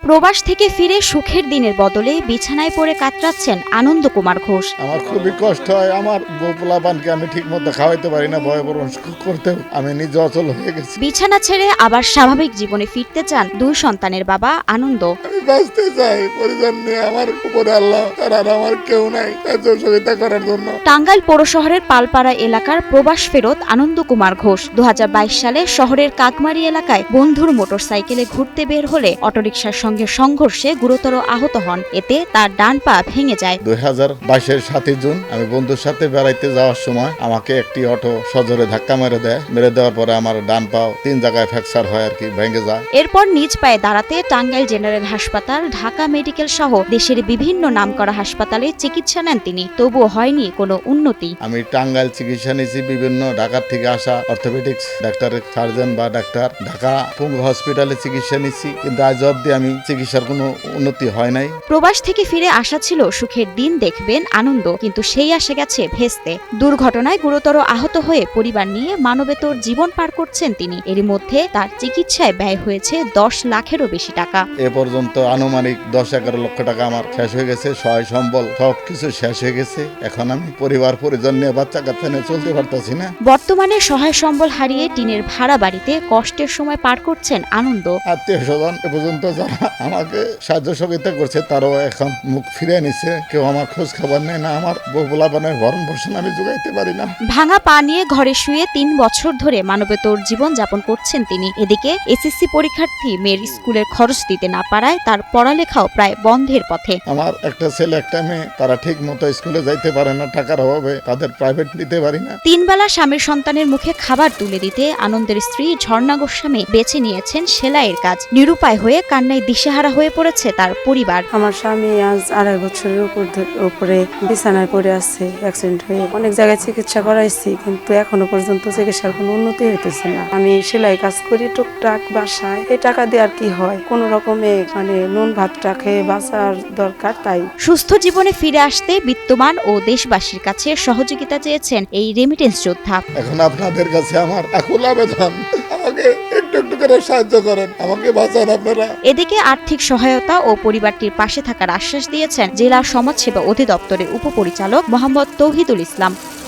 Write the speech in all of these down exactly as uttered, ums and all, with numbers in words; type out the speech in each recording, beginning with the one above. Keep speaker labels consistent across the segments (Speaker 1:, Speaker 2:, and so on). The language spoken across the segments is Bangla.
Speaker 1: প্রবাস থেকে ফিরে সুখের দিনের বদলে বিছানায় পড়ে কাতরাচ্ছেন আনন্দ কুমার ঘোষ।
Speaker 2: আমার খুবই কষ্ট হয়, আমার বউ পোলাপানকে আমি ঠিক মতো খাওয়াইতে পারি না, ভয়ে বরণ করতেও আমি নিজে অচল হয়ে গেছি।
Speaker 1: বিছানা ছেড়ে আবার স্বাভাবিক জীবনে ফিরতে চান দুই সন্তানের বাবা আনন্দ।
Speaker 2: আমি বাঁচতে চাই, পরিজন নিয়ে আমার উপরে আল্লাহ আর আমার কেউ নাই সহযোগিতা করার জন্য।
Speaker 1: টাঙ্গাইল পৌর শহরের পালপাড়া এলাকার প্রবাস ফেরত আনন্দ কুমার ঘোষ দু হাজার বাইশ সালে শহরের কাকমারি এলাকায় বন্ধুর মোটরসাইকেলে ঘুরতে বের হলে অটোরিকশার সঙ্গে সংঘর্ষে গুরুতর আহত হন। এতে তার ডান পা ভেঙে যায়।
Speaker 2: দুই হাজার বাইশের সাতই জুন আমি বন্ধুর সাথে বেড়াইতে যাওয়ার সময় আমাকে একটি অটো সজোরে ধাক্কা মেরে দেয়। মেরে দেওয়ার পরে আমার ডান পাও তিন জায়গায় ফ্র্যাকচার হয় আর কি, ভেঙে যায়।
Speaker 1: এরপর নিজ পায়ে দাঁড়াতে টাঙ্গাইল জেনারেল হাসপাতাল, ঢাকা মেডিকেল সহ দেশের বিভিন্ন নামকরা হাসপাতালে চিকিৎসা নেন তিনি, তবুও হয়নি কোনো উন্নতি।
Speaker 2: আমি টাঙ্গাইল চিকিৎসা নিয়েছি, বিভিন্ন ঢাকার থেকে আসা অর্থোপেডিক্স ডাক্তারের সার্জন বা ডাক্তার, ঢাকা পঙ্গু হসপিটালে চিকিৎসা নিচ্ছি, কিন্তু আজ অব্দি আমি চিকিৎসার কোনো উন্নতি হয় নাই।
Speaker 1: প্রবাস থেকে ফিরে আসা ছিল সুখের দিন দেখবেন আনন্দ, কিন্তু সেই আসে গেছে ভেস্তে। দুর্ঘটনায় গুরুতর আহত হয়ে পরিবার নিয়ে মানবেতর জীবন পার করছেন তিনি। এরই মধ্যে তার চিকিৎসায় ব্যয় হয়েছে দশ লাখেরও বেশি টাকা।
Speaker 2: এ পর্যন্ত আনুমানিক দশ এগারো লক্ষ টাকা আমার শেষ হয়ে গেছে, সহায় সম্বল সবকিছু শেষ হয়ে গেছে। এখন আমি পরিবার পরিজন নিয়ে বাচ্চা কাচ্চা নিয়ে চলতে পারতেছি না।
Speaker 1: বর্তমানে সহায় সম্বল হারিয়ে টিনের ভাড়া বাড়িতে কষ্টের সময় পার করছেন আনন্দ।
Speaker 2: আত্মীয় স্বজন এ পর্যন্ত যারা আমাকে সাহায্য সহযোগিতা করছে তারাও এখন মুখ ফিরে নিচ্ছে, কেউ আমার খোঁজ খবর নেই না, আমার বউ পোলাপানের ভরণ পোষণ আমি যোগাইতে পারি না।
Speaker 1: ভাঙা পা নিয়ে ঘরে শুয়ে তিন বছর ধরে মানবেতর জীবন যাপন করছেন তিনি। এদিকে এসএসসি পরীক্ষার্থী মেয়ের স্কুলের খরচ দিতে না পারায় তার পড়ালেখাও প্রায় বন্ধের পথে।
Speaker 2: আমার একটা ছেলে একটা মেয়ে, তারা ঠিক মতো স্কুলে যাইতে পারে না, টাকার অভাবে তাদের প্রাইভেট নিতে পারি না।
Speaker 1: তিন বেলা স্বামীর সন্তানের মুখে খাবার তুলে দিতে আনন্দের স্ত্রী ঝর্ণা গোস্বামী বেছে নিয়েছেন সেলাইয়ের কাজ। নিরুপায় হয়ে কান্নায় দিশেহারা হয়ে পড়েছে তার পরিবার।
Speaker 3: আমার স্বামী আজ আড়াই বছরের উপর উপরে বিছানায় পড়ে আছে, অ্যাক্সিডেন্ট হয়ে। অনেক জায়গায় চিকিৎসা করাইছি, কিন্তু এখনো পর্যন্ত চিকিৎসার কোনো উন্নতি হইতেছে না। আমি সেলাই কাজ করি টুকটাক বাসায়, এই টাকা দিয়ে আর কি হয়, কোন রকমে মানে নুন ভাতটা খেয়ে বাঁচার দরকার। তাই
Speaker 1: সুস্থ জীবনে ফিরে আসতে বিত্তমান ও দেশবাসীর কাছে সহযোগিতা চেয়েছেন এই রেমিটেন্স যোদ্ধা।
Speaker 2: এখন আপনাদের কাছে আমার আকুল আবেদন, আমাকে একটু একটু করে সাহায্য করেন, আমাকে বাঁচান আপনারা।
Speaker 1: এদিকে আর্থিক সহায়তা ও পরিবারটির পাশে থাকার আশ্বাস দিয়েছেন জেলা সমাজসেবা অধিদপ্তরের উপপরিচালক মোহাম্মদ তৌহিদুল ইসলাম।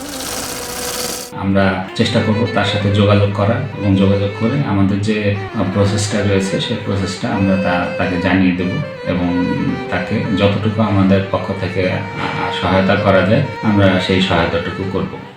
Speaker 4: আমরা চেষ্টা করব তার সাথে যোগাযোগ করার এবং যোগাযোগ করে আমাদের যে প্রসেসটা রয়েছে সেই প্রসেসটা আমরা তা তাকে জানিয়ে দেব এবং তাকে যতটুকু আমাদের পক্ষ থেকে সহায়তা করা যায় আমরা সেই সহায়তাটুকু করব।